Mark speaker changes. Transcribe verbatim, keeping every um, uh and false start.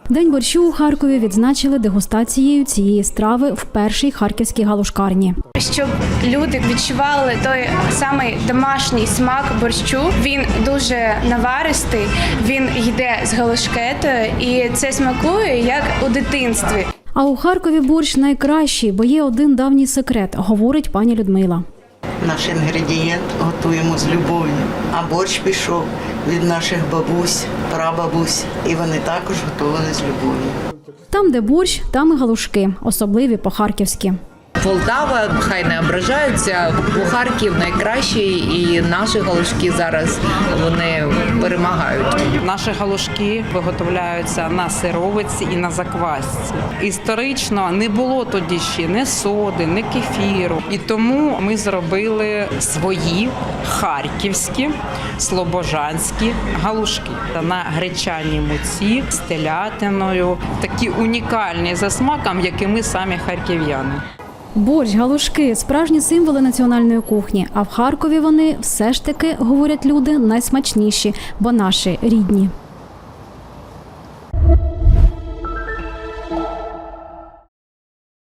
Speaker 1: День борщу у Харкові відзначили дегустацією цієї страви в першій харківській галушкарні.
Speaker 2: Щоб люди відчували той самий домашній смак борщу, він дуже наваристий, він йде з галушкетою і це смакує як у дитинстві.
Speaker 1: А у Харкові борщ найкращий, бо є один давній секрет, говорить пані Людмила.
Speaker 3: Наш інгредієнт готуємо з любов'ю, а борщ пішов від наших бабусь, прабабусь, і вони також готували з любов'ю.
Speaker 1: Там, де борщ, там і галушки, особливі по-харківськи.
Speaker 4: Полтава, хай не ображаються, у Харків найкращий і наші галушки зараз вони перемагають.
Speaker 5: Наші галушки виготовляються на сировиці і на заквасці. Історично не було тоді ще ні соди, ні кефіру. І тому ми зробили свої харківські, слобожанські галушки на гречаній муці з телятиною. Такі унікальні за смаком, як і ми самі харків'яни.
Speaker 1: Борщ, галушки – справжні символи національної кухні. А в Харкові вони все ж таки, говорять люди, найсмачніші, бо наші рідні.